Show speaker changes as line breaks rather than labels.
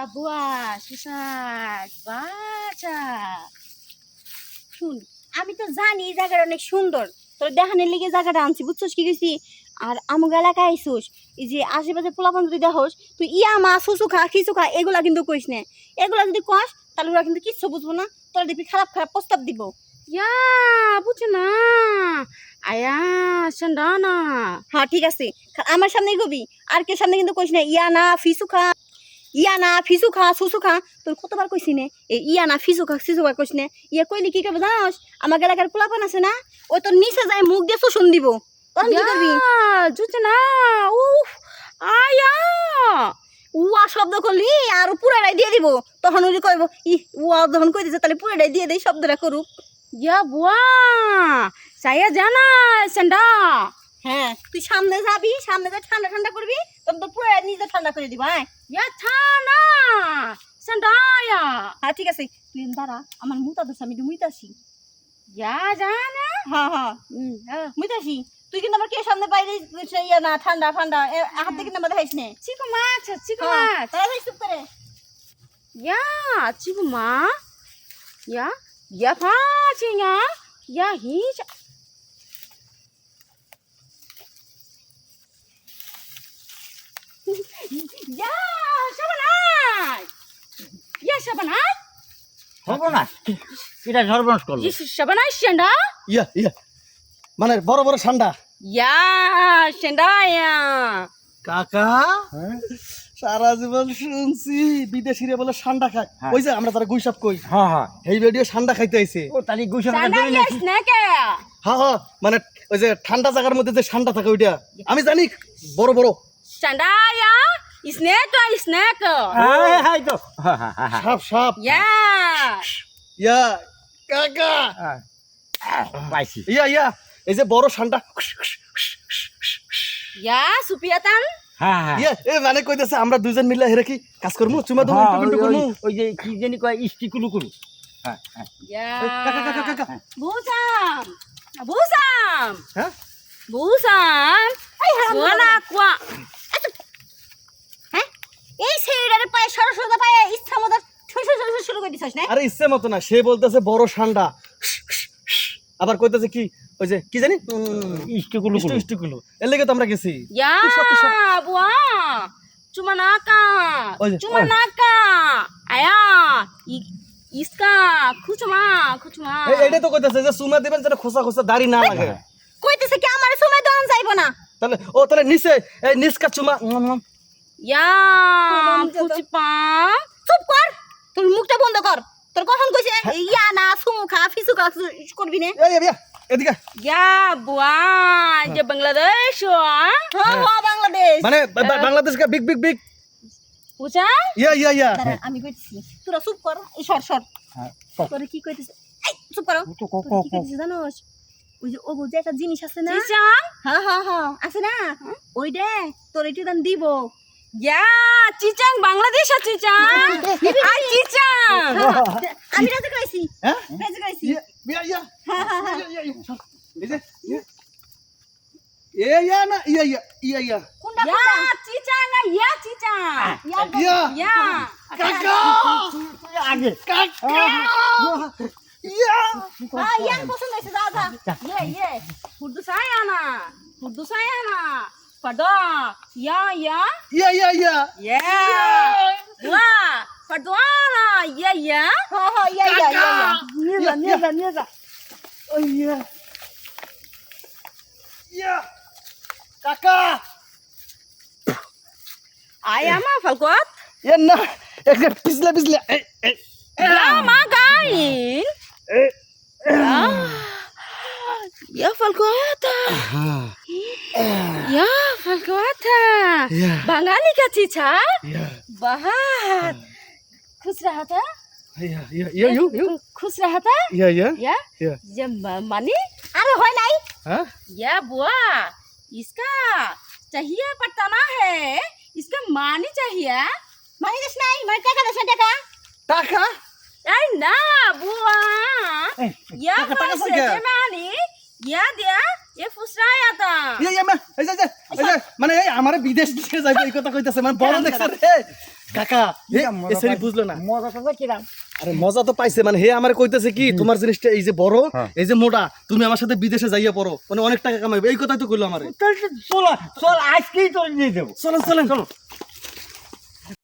বুয়া সুসাদ বাছা শুন, আমি তো জানি এই জায়গাটা অনেক সুন্দর, তোর দেখানোর লেগে জায়গাটা আনছি, বুঝছস কি গেছি। আর আমুক এলাকায় আইসুস, এই যে আশেপাশে পোলাপান যদি দেখোস তুই ইয়া মা সুসু খা খিচু খা এগুলা কিন্তু কইস না। এগুলা যদি কস তাহলে ওরা কিন্তু কিচ্ছু বুঝবো না, তোরা দেখবি খারাপ খারাপ প্রস্তাব দিব।
ইয়া বুঝছো না আয়া সন্ডানা।
হ্যাঁ ঠিক আছে, আমার সামনেই কবি, আর কে সামনে কিন্তু কইস না ইয়া না ফিসু খা, ইয়া না ফিসু খা সুসু খা। তোর কতবার কইছি নে এই ইয়া না ফিসু খা সিসু খা কইস না। ইয়া কইলি কি করবে জানোস, আমার এলাকার পোলাপান আছে না, ওই তোর নিচে যায় মুখ দিয়ে শোষণ দিব, তখন কি করবি?
বুঝছো না উফ আয়া
উয়া শব্দ করলি আর পুরাটাই দিয়ে দিব, তখন ওই কইব ই উয়া যখন কই দিছে তাহলে পুরাটাই দিয়ে দেই, শব্দটা করুক।
ইয়া বুয়া saya জানা সন্ডা।
হ্যাঁ তুই সামনে যাবি, সামনে যা ঠান্ডা ঠান্ডা করবি, তখন তো পুরা নিজে ঠান্ডা করে দিব। হ্যাঁ
ইয়া থানা সন্ডা ইয়া।
হ্যাঁ ঠিক আছে, তুই দাঁড়া, আমার মুতা দোষ, আমি মুইতাছি।
ইয়া জানা
হ্যাঁ হ্যাঁ মুইতাছি, তুই কিন্তু আমার কে সামনে বাইরে ইয়া না ঠান্ডা ঠান্ডা হাত থেকে নামা দেখাইস নে।
চিকু মাছ চিকু মাছ
তাড়াতাড়ি চুপ করে।
ইয়া চিকু মা ইয়া ইয়া ফাচিঙা ইয়া হিচ ইয়া সবনাই ইয়া সবনাই
সর্বনাশ, এটা সর্বনাশ করলো।
ইয়া সবনাই সন্ডা
ইয়া ইয়া মানে বড় বড় ঠান্ডা।
ইয়া সন্ডা ইয়া
কাকা সারা জীবন শুনছি বিদেশিরা বলে ঠান্ডা খায়,
হ্যাঁ।
ওই যে আমরা তারা গুইসাপ কই,
হ্যাঁ হ্যাঁ,
এই ভিডিও ঠান্ডা খাইতে আইছে।
ও তাহলে গুছানো
সন্ডা
ধরে
ইয়া
নাকি?
স্নেকে
হ্যাঁ হ্যাঁ মানে ওই যে ঠান্ডা জায়গার মধ্যে যে ঠান্ডা থাকে ওইটা আমি জানি, বড় বড়
সন্ডা ইয়া স্নেক
হ্যাঁ হ্যাঁ তো হ্যাঁ হ্যাঁ হ্যাঁ
সাপ সাপ।
ইয়া
ইয়া কাকা
হ্যাঁ, পাইছি।
ইয়া ইয়া এই যে বড় ঠান্ডা।
ইয়া সুপিয়াতান
হ্যাঁ হ্যাঁ
ইয়া এ মানে কইতেছে আমরা দুইজন মিলে হেরে কি কাজ করমু, চুমা দেবো,
হ্যাঁ,
ইন্টু পিন্টু
ওই-
করমু।
ওই- ওই যে কি জানি কয় ইস্টিকুলু কুলু। হ্যাঁ হ্যাঁ
ইয়া
কাকা কাকা কাকা
বুসাম বুসাম
হ্যাঁ
বুসাম সোনা কোয়া
হ্যাঁ এই সেইটারে পায়ে সরস্বতী পায়ে ইচ্ছা মতো শুরু করে দিছিস না।
আরে ইচ্ছে মতো না, সে বলতেছে বড় ঠান্ডা, আবার কইতেছে কি ওই যে কি জানি
ইস্টিকুলু
ইষ্টু
কুলু।
ইষ্টুগুলো, এর লেগে তো আমরা গেছি।
ইয়া বুয়া চুমানাকা
ওই যে,
চুমানাকা আয়া ইসকা খুচমা খুচমা
এইটা তো কইতেছে যে চুমা দিবেন যেন খোসা খোসা দাড়ি না লাগে।
কইতেছে কি আমার সময় দন যাইবো না।
তাহলে ও তাহলে নিচে এই নিচকা চুমা।
ইয়া খুচপা
চুপ কর, তোর মুখটা বন্ধ কর। তোর কখন কইছে ইয়া না সুমু খা ফিসু খা করবি না।
এই এই এদিকে
ইয়া বুয়া যে বাংলাদেশ
হ্যাঁ হ্যাঁ বাংলাদেশ
মানে বাংলাদেশ কা বিগ বিগ বিগ
পুচা
ইয়া ইয়া ইয়া।
দাঁড়া, আমি কইতেছি তোরা চুপ কর, এই সর সর।
হ্যাঁ,
তোরে কি কইতেছে, এই চুপ করো।
তো ক ক
তোরে কি
ক
কইতেছে জানোস, ওই যে ও যে একটা জিনিস আছে না,
চিচা
হ্যাঁ হ্যাঁ হ্যাঁ আছে না, ওই দে তোর একটু দাম দিব।
ইয়া চিচাং বাংলাদেশ চিচাং আই চিচাং
আমি রাজি কইছি,
হ্যাঁ
রাজি কইছি।
ইয়া ইয়া ইয়া
হ্যাঁ হ্যাঁ হ্যাঁ
ইয়া ইয়া সর। এই যে ইয়া এ ইয়া না ইয়া ইয়া ইয়া ইয়া
কোনটা
ইয়া
কোনটা
চিচাং ইয়া চিচাং
ইয়া
ইয়া
ইয়া
কাকা
তুই আগে
কাকা ইয়া
হ্যাঁ ইয়া পছন্দ হইছে, যা যা।
ইয়ে Kurdu saya na pada ya ya
ইয়া ইয়া ইয়া
ya wah pada na ya ya
হ্যাঁ হ্যাঁ ইয়া ইয়া ইয়া ইয়া
নিয়ে যা নিয়ে যা। ও ইয়া ইয়া কাকা
ayam apa kuat
ইয়া না একটা পিছলে পিছলে এই এই
ya magain
এই
ya falkuata ya falkuata
ইয়া
bangali ka cica
ইয়া
bahat खुश रहा था
ইয়া ইয়া ইয়া ইউ ইউ
खुश रहा था
ইয়া ইয়া
या
ইয়া
जब मानी
আরে হয় নাই।
হ্যাঁ
या बुआ इसका चाहिए पटाना है इसका मानी चाहिए
মানি দেশ নাই, মানে টাকা দেশ টাকা।
টাকা
अरे ना बुआ या
টাকা টাকা
पैसे
কই
के मानी या दिया ये फुसराया था
ইয়া ইয়া মা এই যে এই যে মানে এই আমারে বিদেশ দিয়ে যাইবে এই কথা কইতাছে, মানে বড় দেখছ রে কাকা এ সেরি বুঝলো না
মজা তো কিরাম
আরে মজা তো পাইছে মানে হে আমার কইতেছে কি তোমার জিনিসটা এই যে বড় এই যে মোটা তুমি আমার সাথে বিদেশে যাইয়া পড়ো মানে অনেক টাকা কামাইবে এই কথাই তো কইলো আমারে
চল আজকেই তোর নিয়ে যাবো
চলেন চলেন চলো